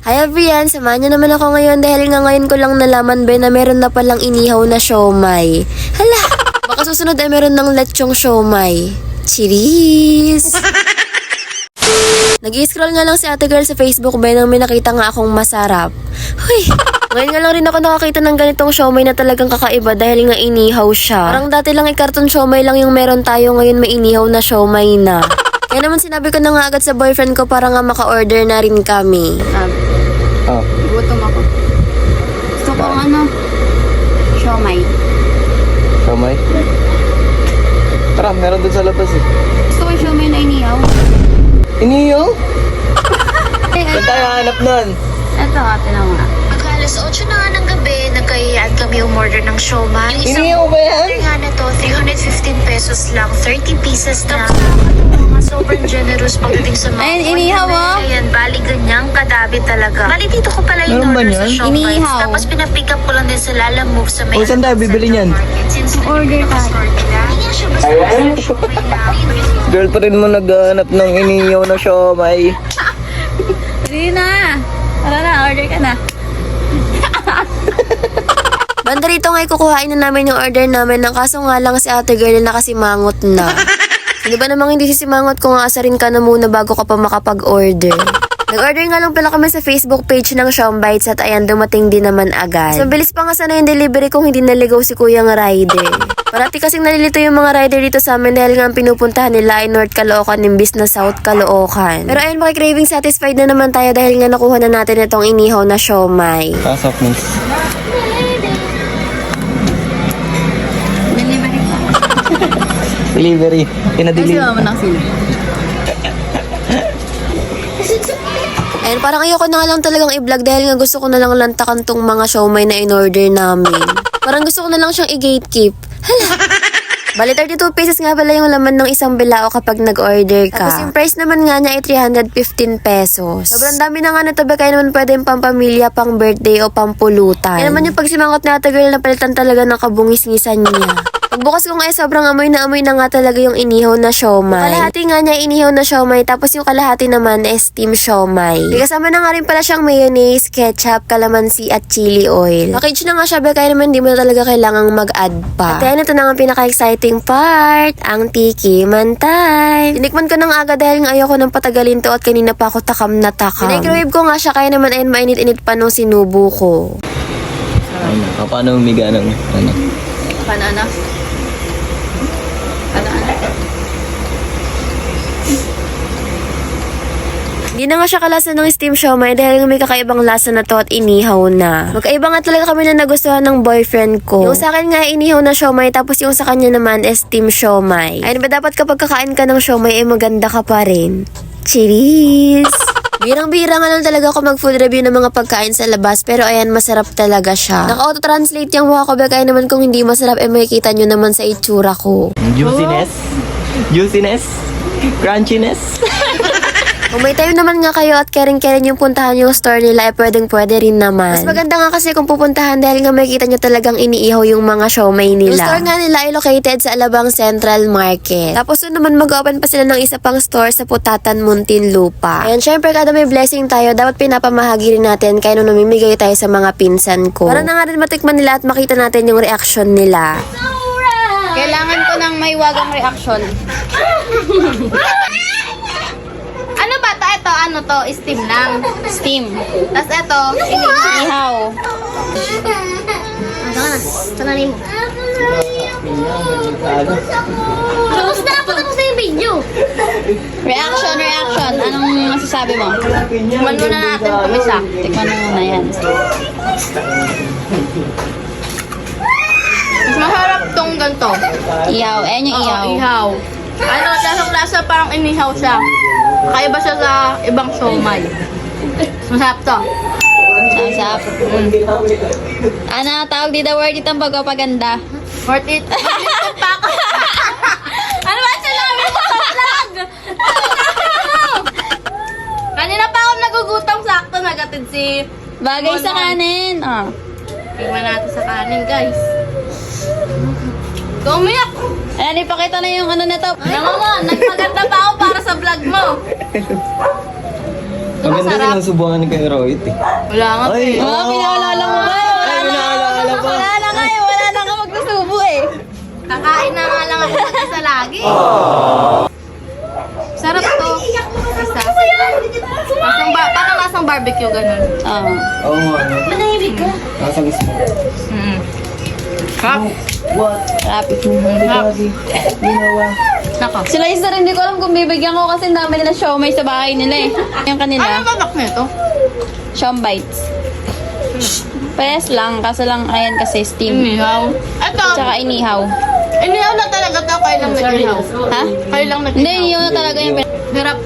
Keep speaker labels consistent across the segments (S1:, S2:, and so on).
S1: Hi everyone, samahan niyo naman ako ngayon dahil nga ngayon ko lang nalaman ba na meron na palang inihaw na siomay. Hala, baka susunod ay meron ng lechong siomay. Cheers! Nag-i-scroll nga lang si ate girl sa Facebook ba nang may nakita nga akong masarap. Huy! Ngayon nga lang rin ako nakakita ng ganitong siomay na talagang kakaiba dahil nga inihaw siya. Parang dati lang karton siomay lang yung meron tayo, ngayon may inihaw na siomay na. Kaya naman sinabi ko na nga agad sa boyfriend ko para nga maka-order na rin kami.
S2: Oh.
S3: Gutom ako. Gusto ko siomay.
S2: Siomay? Tara, meron dun sa labas eh.
S3: Gusto ko siomay na inihaw.
S2: Iniyo? Saan tayo hanap nun?
S3: Ito, ate na nga.
S4: Mag-alas 8 na nga ng gabi, nagkayaan kami umorder ng siomay. Yung isang
S2: Iniyo ba yan?
S4: order nga na to, 315 pesos lang, 30 pieces na. Sobrang generous pagdating sa mga
S3: Ayun,
S4: order
S3: inihaw,
S4: na
S3: oh.
S4: Ayan, bali ganyang kadabi talaga. Bali dito ko pala yung
S2: Meron ba
S4: order
S2: niyan?
S4: sa siomay.
S3: Inihaw.
S4: Tapos pinapick up ko lang din sa Lala Move sa may
S2: O, saan tayo bibili niyan?
S4: Since
S3: Order tayo.
S4: store nila, hindi nga siya basta siomay na.
S2: Girl pa rin mo naghanap ng iniyo na siomay.
S3: Hindi na. Tara na, order ka na.
S1: Banda rito nga kukuhain na namin yung order namin ng kaso nga lang si ate girl na nakasimangot na. Hindi ba namang hindi sisimangot kung aasarin ka na muna bago ka pa makapag-order? Nag-order nga lang pala kami sa Facebook page ng Siombites at ayan, dumating din naman agad. So, bilis pa nga sana yung delivery kung hindi naligaw si Kuyang Rider. Parati kasing nalilito yung mga rider dito sa amin dahil nga ang pinupuntahan nila ay North Caloocan imbis na South Caloocan. Pero ayun, makikraving satisfied na naman tayo dahil nga nakuha na natin itong inihaw na siomay.
S2: Pasok, miss.
S3: Delivery pa.
S2: Delivery.
S3: Kasi
S2: Pinadeliver.
S3: mama ng sila.
S1: Ayun, parang ayoko na nga lang talagang i-vlog dahil nga gusto ko na lang lantakan tong mga siomay na in-order namin. Parang gusto ko na lang siyang i-gatekeep. Hala! Bali, 32 pesos nga pala yung laman ng isang bilao kapag nag-order ka. Tapos yung price naman nga niya ay 315 pesos. Sobrang dami na nga nito ba kaya naman pwede yung pampamilya, pang birthday o pampulutan. Kaya naman yung pagsimangot na ata girl na palitan talaga ng kabungis-ngisan niya. Pagbukas ko nga sobrang amoy na nga talaga yung inihaw na siomay. Kalahati nga niya inihaw na siomay tapos yung kalahati naman is steam siomay. May kasama na nga rin pala siyang mayonnaise, ketchup, calamansi at chili oil. Package na nga siya ba kaya naman di mo na talaga kailangang mag-add pa. At yan, ito na nga ang pinaka-exciting part, ang tikiman time. Tinikman ko na nga agad dahil nga ayoko nang patagalin to at kanina pa ako takam na takam. Microwave ko nga siya kaya naman ayun mainit-init pa nung sinubo ko.
S2: Ano? Paano umiga ng ano?
S3: Banana.
S1: Hindi na nga siya kalasa ng steam siomay dahil may kakaibang lasa na to at inihaw na. Magkaiba nga talaga kami na nagustuhan ng boyfriend ko. Yung sa akin nga inihaw na siomay tapos yung sa kanya naman is steam siomay. Ayun ba dapat kapag kakain ka ng siomay ay maganda ka pa rin? Cheers! Birang-bira nga lang talaga ako mag-food review ng mga pagkain sa labas pero ayan, masarap talaga siya. Naka-auto-translate yung mukha ko ba kaya naman kung hindi masarap eh makikita nyo naman sa itsura ko.
S2: Juiciness? Juiciness? Crunchiness?
S1: Kung may time naman nga kayo at caring-caring yung puntahan yung store nila, pwede rin naman. Mas maganda nga kasi kung pupuntahan dahil nga makikita nyo talagang iniihaw yung mga siomay nila. Yung store nga nila ay located sa Alabang Central Market. Tapos yun naman mag-open pa sila ng isa pang store sa Putatan, Muntinlupa. Ayan, syempre kada may blessing tayo, dapat pinapamahagi rin natin kaya nung namimigay tayo sa mga pinsan ko. Para na nga rin matikman nila at makita natin yung reaction nila.
S3: Kailangan ko ng may wagang reaction. Ano ba to? Ito, ano to? Steam lang. Steam. Tapos ito, inihaw.
S4: Tananin mo. Tapos na yung video.
S3: Reaction. Anong masasabi mo? Tikman muna natin kung isa. Tikman mo muna yan. Mas masarap tong ganito. Ihaw. Ayan yung ihaw.
S5: Ihaw. Ano, lasang-lasa parang inihaw siya. Kakaiba siya sa ibang siomay. Masarap to.
S3: Masarap. Ano, tawag dito word itong pagpapaganda.
S5: Worth it.
S3: Ano ba sinabi mo sa vlog?
S5: Kanina pa ako nagugutom, sakto nagatid si...
S3: Bagay sa kanin. Oh.
S5: Tingnan natin sa kanin, guys. Kumiyak!
S3: Ayan, ipakita na yung ano na to.
S5: Naman mo, nagpaganda pa ako para sa vlog mo.
S2: Maganda din ang subukan ni Kuya Rohit eh.
S5: Wala nga.
S2: Ay,
S3: Oh, pinaalala mo ba?
S2: Ay, pinaalala pa.
S3: Wala na nga eh. Wala na nga magsusubo eh.
S5: Kakain na nga lang ako mag-isa lagi. Sarap to. Isa. Parang lasang barbecue, ganun.
S3: Oo.
S2: Oo nga, ano?
S3: Manahimik ka.
S2: Nasa mismo.
S5: Sarap.
S3: Sarap.
S5: Nako.
S3: Sila isa rin, hindi ko alam kung bibigyan ko kasi ang dami nila siomay sa bahay nila eh. Yung kanila,
S5: Ano babak nito?
S3: siom bites. Pares lang, kaso lang ayan kasi steam.
S5: Inihaw. Ito.
S3: Tsaka inihaw.
S5: Inihaw na talaga to. Kayo lang nag-inihaw.
S3: Ha?
S5: Kayo lang nag-inihaw.
S3: Hindi, yun na talaga yung
S5: Sarap.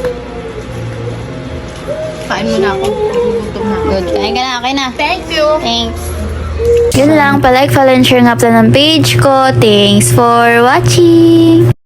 S5: Kain mo na ako. Gutom na ako.
S3: good. Kain ka na, okay na.
S5: Thank you.
S3: Thanks.
S6: Yun lang, palike, follow, and share nga pala ng page ko. Thanks for watching!